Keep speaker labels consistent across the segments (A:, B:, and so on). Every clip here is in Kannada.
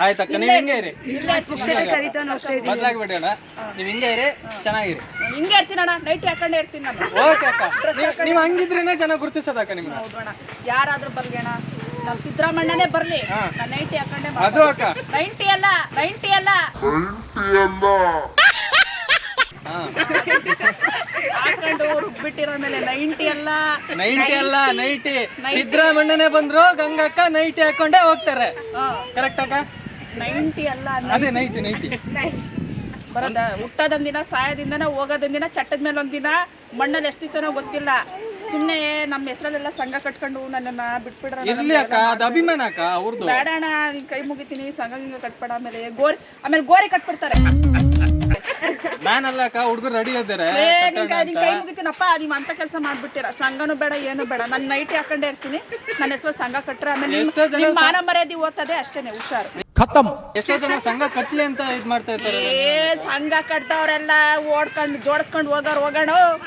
A: ಆಯ್ತಕ್ಕ ನೀವು ಹಿಂಗೆ ಇರಿ,
B: ಬದಲಾಗ್ಬೇಡಿ ಅಣ್ಣ, ನೀವು ಹಿಂಗೆ ಇರಿ, ಚೆನ್ನಾಗಿರಿ.
C: ಹಿಂಗೆ ಇರ್ತೀನಣ್ಣ, ನೈಟಿ ಹಾಕೊಂಡೇ ಇರ್ತೀನಿ ನಾನು.
B: ಓಕೆ ಅಕ್ಕ, ನೀವು ಹಂಗಿದ್ರೇನೆ ಚೆನ್ನಾಗಿ ಗುರುತಿಸೋದಕ್ಕ ನಿಮ್ಗೆ.
C: ಹೌದು ಅಣ್ಣ, ಯಾರಾದ್ರೂ ಬರ್ಲಿ ಅಣ್ಣ, ನಮ್ ಸಿದ್ದರಾಮಣ್ಣನೇ ಬರ್ಲಿ, ನಾನು ನೈಟಿ ಹಾಕೊಂಡೇ
B: ಅದು ಅಕ್ಕ,
C: 90 ಅಲ್ಲ ಹಾಕೊಂಡು ರುಬ್ಬಿಟ್ಟಿರೋ ಮೇಲೆ 90 ಅಲ್ಲ
B: ನೈಟಿ ಸಿದ್ದರಾಮಣ್ಣನೇ ಬಂದ್ರು ಗಂಗಕ್ಕ ನೈಟಿ ಹಾಕೊಂಡೇ ಹೋಗ್ತಾರೆ. ಕರೆಕ್ಟ್ ಅಕ್ಕ?
C: 90 ಅಲ್ಲ,
B: ಅದೇ ನೈಟಿ
C: ಬರೋದ ಹುಟ್ಟೋದೊಂದಿನ, ಸಾಯೋದಿಂದನ, ಹೋಗೋದೊಂದಿನ, ಚಟ್ಟದ ಮೇಲೆ ಒಂದಿನ, ಮಣ್ಣಲ್ಲಿ ಎಷ್ಟು ದಿವಸನೋ ಗೊತ್ತಿಲ್ಲ. ಸುಮ್ಮನೆ ನಮ್ಮ ಹೆಸರಲ್ಲೆಲ್ಲ ಸಂಘ ಕಟ್ಕೊಂಡು ನನ್ನನ್ನ ಬಿಟ್ಬಿಡ್ರ.
B: ಇರ್ಲಿ ಅಕ್ಕ, ಅದು ಅಭಿಮಾನ ಅಕ್ಕ ಅವ್ರದ್ದು.
C: ಬೇಡ ಅಣ್ಣ, ನಿನ್ ಕೈ ಮುಗಿತೀನಿ, ಸಂಘ ಹಿಂಗ ಕಟ್ಬೇಡ. ಆಮೇಲೆ ಗೋರಿ ಕಟ್ಬಿಡ್ತಾರೆ.
B: ನಾನಲ್ಲ ಅಕ್ಕ, ಹುಡುಗರು ರೆಡಿ ಇದ್ದಾರೆ.
C: ನಿನ್ ಕೈ ಮುಗಿತೀನಪ್ಪ, ನೀವ್ ಅಂತ ಕೆಲಸ ಮಾಡ್ಬಿಟ್ಟಿರ. ಸಂಘನೂ ಬೇಡ, ಏನು ಬೇಡ, ನಾನು ನೈಟಿ ಹಾಕೊಂಡೇ ಇರ್ತೀನಿ. ನನ್ನ ಹೆಸರು ಸಂಘ ಕಟ್ರೆ ಆಮೇಲೆ ನಿಮ್ ಮಾನ ಮರ್ಯಾದೆ ಓದ್ತದೆ ಅಷ್ಟೇನೆ, ಹುಷಾರು.
B: ಎಷ್ಟೋ ಜನ ಸಂಘ ಕಟ್ಲಿ ಅಂತ ಇದ್ ಮಾಡ್ತಾ ಇರ್ತಾರೆ.
C: ಸಂಘ ಕಟ್ದವ್ರೆಲ್ಲ ಓಡ್ಕೊಂಡು ಜೋಡಿಸ್ಕೊಂಡು ಹೋಗೋಣ.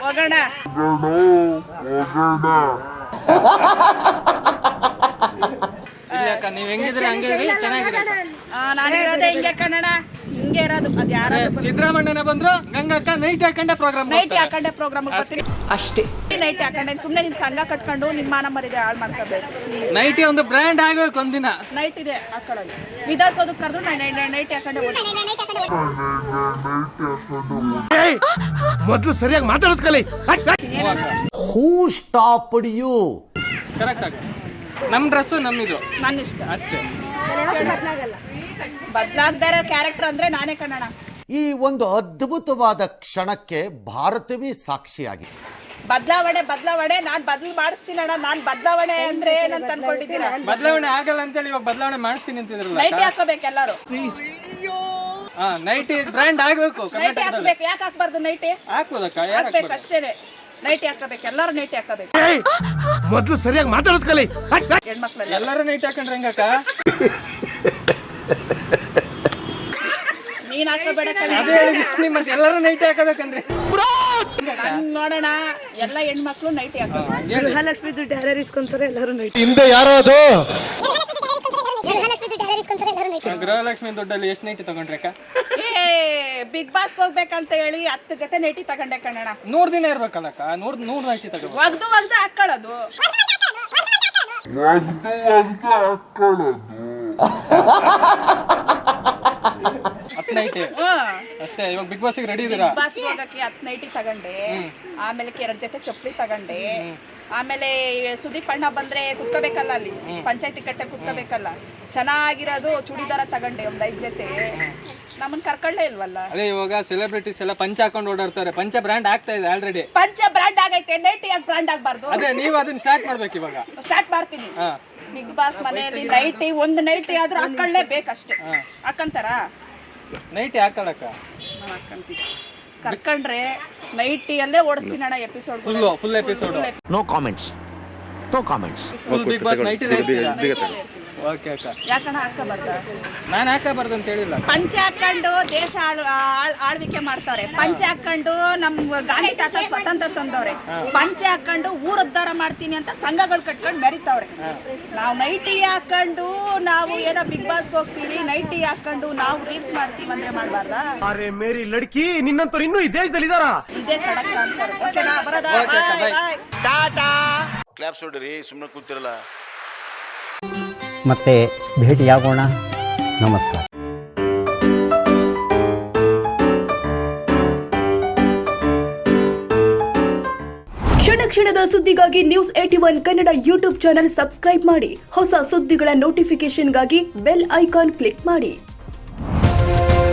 B: ಇಲ್ಲ ಅಕ್ಕ, ನೀವ್ ಹೆಂಗಿದ್ರೆ ಹಂಗೆ ಚೆನ್ನಾಗಿದೆ.
C: ನಾನು ಇರೋದೇ ಹಿಂಗೆ ಕನ್ನಡ, ಹಿಂಗೆ ಇರೋದು. ಅದ್ ಯಾರ
B: ಸಿದ್ದರಾಮಣ್ಣನ ಬಂದ್ರು ಗಂಗಕ್ಕ ನೈಟ್ ಹಾಕೊಂಡೆ ಪ್ರೋಗ್ರಾಮ್
C: ಬರ್ತೀನಿ ಅಷ್ಟೇ. ನೈಟ್ ಹಾಕೊಂಡೆ ಸುಮ್ಮನೆ ನಿಮ್ ಸಂಘ ಕಟ್ಕೊಂಡು ನಿಮ್ಮ ಮಾನ ಮರ್ಯಾದೆ ಹಾಳು ಮಾಡ್ಕೋಬೇಕು.
B: ನೈಟಿ ಒಂದು ಬ್ರ್ಯಾಂಡ್ ಆಗ್ಬೇಕು ಒಂದಿನ.
C: ನೈಟ್ ಇದೆ ಹಾಕೊಳ್ಳೋದು, ವಿಧಾನಸೌಧಕ್ಕೆ ಕರೆದು ನೈಟ್ ಹಾಕೊಂಡೆ
D: ಮೊದಲು ಸರಿಯಾಗಿ ಮಾತಾಡೋದು ಕಲಿ. ಹೂ ಸ್ಟಾಪ್ಡ್ ಯು?
B: ಕರೆಕ್ಟ್ ಆಗ ನಮ್ ಡ್ರೆಸ್ಸು ನಮ್ಮಿದು,
C: ನನ್ನ ಇಷ್ಟ
B: ಅಷ್ಟೇ.
C: ಬದಲಾಗದೇ ಇರೋ ಕ್ಯಾರೆಕ್ಟರ್ ಅಂದ್ರೆ ನಾನೇ ಕನ್ನಡ.
D: ಈ ಒಂದು ಅದ್ಭುತವಾದ ಕ್ಷಣಕ್ಕೆ ಭಾರತವೇ ಸಾಕ್ಷಿಯಾಗಿದೆ.
C: ಬದಲಾವಣೆ ನಾನ್ ಮಾಡಿಸ್ತೀನಣ್ಣ. ನಾನ್ ಬದಲಾವಣೆ ಅಂದ್ರೆ ಏನಂತ ಅನ್ಕೊಂಡಿದ್ದೀರಾ?
B: ಬದಲಾವಣೆ ಆಗಲ್ಲ ಅಂತೇಳಿ ಇವಾಗ ಬದಲಾವಣೆ ಮಾಡಿಸ್ತೀನಿ ಅಂತಿದ್ರಲ್ಲ.
C: ನೈಟಿ ಹಾಕೋಬೇಕು ಎಲ್ಲರೂ.
B: ನೈಟಿ ಬ್ರ್ಯಾಂಡ್ ಆಗ್ಬೇಕು.
C: ನೈಟಿ ಹಾಕ್ಬೇಕು. ಯಾಕೆ ಹಾಕ್ಬಾರ್ದು? ನೈಟಿ
B: ಹಾಕ್ಬೋದಕ್ಕ,
C: ಹಾಕ್ಬೇಕು ಅಷ್ಟೇನೆ. ನೈಟಿ ಹಾಕೋಬೇಕು, ಎಲ್ಲರೂ ನೈಟಿ ಹಾಕೋಬೇಕು.
D: ಮೊದಲು ಸರಿಯಾಗಿ ಮಾತಾಡೋದು ಕಲಿ.
C: ಹೆಣ್ಮಕ್ಳೆಲ್ಲ
B: ಎಲ್ಲರೂ ನೈಟ್ ಹಾಕೊಂಡ್ರೆ ಹೆಂಗಕ್ಕ?
C: ನೀನ್ ಹಾಕೋಬೇಡ.
B: ಮತ್ತೆ ಎಲ್ಲರೂ ನೈಟ್ ಹಾಕಬೇಕಂದ್ರೆ
C: ನೋಡೋಣ, ಎಲ್ಲ ಹೆಣ್ಮಕ್ಳು ನೈಟಿ ಹಾಕೋಬೇಕು.
E: ಗೃಹಲಕ್ಷ್ಮಿ ದುಡ್ಡು ಯಾರ್ಯಾರು ಇಸ್ಕೊಂತಾರೆ ಎಲ್ಲರೂ ನೈಟಿ.
D: ಹಿಂದೆ ಯಾರೋ ಅದು
B: ಗೃಹಲಕ್ಷ್ಮಿ ದುಡ್ಡಲ್ಲಿ ಎಷ್ಟು ನೈಟಿ ತಗೊಂಡ್ರಕ್ಕ?
C: ಬಿಗ್ ಬಾಸ್ ಹೋಗ್ಬೇಕಂತ ಹೇಳಿ 10 ಜೊತೆ ನೈಟಿ ತಗೊಂಡೆ ಕಣಣ.
B: 100 ದಿನ ಇರ್ಬೇಕಲ್ಲಕ್ಕ, 100 ನೈಟಿ ತಗೋಬೇಕು.
C: ಒಗ್ದು ಹಾಕೊಳ್ಳೋದು.
B: ನೈಟಿ ಅಷ್ಟೇ. ಇವಾಗ ಬಿಗ್ ಬಾಸ್ ರೆಡಿ ಇದೀರಾ?
C: ಬಿಗ್ ಬಾಸ್ ಹೋಗಕ್ಕೆ 10 ನೈಟಿ ತಗೊಂಡೆ. ಆಮೇಲೆ 2 ಜೊತೆ ಚಪ್ಪಲಿ ತಗೊಂಡೆ. ಆಮೇಲೆ ಸುದೀಪ್ ಅಣ್ಣ ಬಂದ್ರೆ ಕುತ್ಕೋಬೇಕಲ್ಲ, ಅಲ್ಲಿ ಪಂಚಾಯತಿ ಕಟ್ಟೆ ಕುತ್ಕೋಬೇಕಲ್ಲ, ಚೆನ್ನಾಗಿರೋದು ಚೂಡಿದಾರ ತಗೊಂಡೆ ಒಂದ್ 5 ಜೊತೆ. ನಮ್ಮನ್ ಕರ್ಕೊಳ್ಳೇ ಇಲ್ವಲ್ಲ.
B: ಅದೇ ಇವಾಗ ಸೆಲೆಬ್ರಿಟೀಸ್ ಎಲ್ಲ ಪಂಚ ಹಾಕೊಂಡು ಓಡಾಡ್ತಾರೆ. ಪಂಚ ಬ್ರ್ಯಾಂಡ್ ಆಗ್ತಾ ಇದೆ ಆಲ್ರೆಡಿ.
C: ಪಂಚ ಬ್ರ್ಯಾಂಡ್ ಆಗೈತೆ, ನೈಟಿ ಯಾಕೆ ಬ್ರ್ಯಾಂಡ್ ಆಗ್ಬಾರ್ದು?
B: ಅದೇ ನೀವು ಅದನ್ನ ಸ್ಟಾರ್ಟ್ ಮಾಡ್ಬೇಕು ಇವಾಗ.
C: ಸ್ಟಾರ್ಟ್ ಮಾಡ್ತೀನಿ. ಬಿಗ್ ಬಾಸ್ ಮನೆಯಲ್ಲಿ ನೈಟಿ, ಒಂದು ನೈಟಿ ಆದ್ರೂ ಹಾಕೊಳ್ಳೇಬೇಕಷ್ಟೇ. ಹಾಕಂತಾರ?
B: ನೈಟಿ ಹಾಕೊಳ್ಳಕ್ಕ
C: ಹಾಕಂತೀವಿ. ಕರ್ಕೊಂಡ್ರೆ ನೈಟಿಯಲ್ಲೇ ಓಡಿಸ್ತೀನಿ ಅಣ್ಣ episode.
B: Full episode.
D: No comments.
B: Full Bigg Boss nighty. Okay ಅಕ್ಕ.
C: ಯಾಕಣ್ಣ ಹಾಕಬಾರ್ದ?
B: ನಾನು ಹಾಕಬಾರ್ದು ಅಂತ ಹೇಳಿಲ್ಲ.
C: ಪಂಚ ಹಾಕೊಂಡು ದೇಶ ಆಳ್ವಿಕೆ ಮಾಡ್ತಾರೆ. ಪಂಚ ಹಾಕೊಂಡು ನಮ್ ಗಾಂಧಿ ತಾತ ಸ್ವತಂತ್ರ ತಂದವ್ರೆ. ಪಂಚ ಹಾಕೊಂಡು ಊರ್ ಉದ್ಧಾರ ಮಾಡ್ತೀನಿ ಅಂತ ಸಂಘಗಳು ಕಟ್ಕೊಂಡು ಮೆರಿತವ್ರೆ. ನಾವು ನೈಟಿ ಹಾಕೊಂಡು ನಾವು ಏನೋ ಬಿಗ್ ಬಾಸ್ ಹೋಗ್ತೀವಿ, ನೈಟಿ ಹಾಕೊಂಡು ನಾವು ರೀಲ್ಸ್ ಮಾಡ್ತೀವಿ ಅಂದ್ರೆ ಮಾಡ್ಬಾರ್ದಾ?
D: ಅರೆ ಮೇರಿ ಲಡ್ಕಿ, ನಿನ್ನಂತವ್ರು ಇನ್ನೂ ಈ ದೇಶದಲ್ಲಿ ಇದಾರಾ?
C: ಇದೇ ಕಡಕ್ ಆನ್ಸರ್. ಓಕೆನಾ? ಬರೋದಾ? ಬಾಯ್.
D: ಟಾಟಾ.
F: ಕ್ಲಾಪ್ಸ್ ಹೊಡಿರಿ, ಸುಮ್ಮನೆ ಕೂತಿರಲ್ಲ.
G: ಮತ್ತೆ ಭೇಟಿಯಾಗೋಣ. ನಮಸ್ಕಾರ.
E: ಕ್ಷಣದ ಸುದ್ದಿಗಾಗಿ news 81 Kannada YouTube channel subscribe ಮಾಡಿ. ಹೊಸ ಸುದ್ದಿಗಳ ನೋಟಿಫಿಕೇಶನ್ಗಾಗಿ ಬೆಲ್ ಐಕಾನ್ ಕ್ಲಿಕ್ ಮಾಡಿ.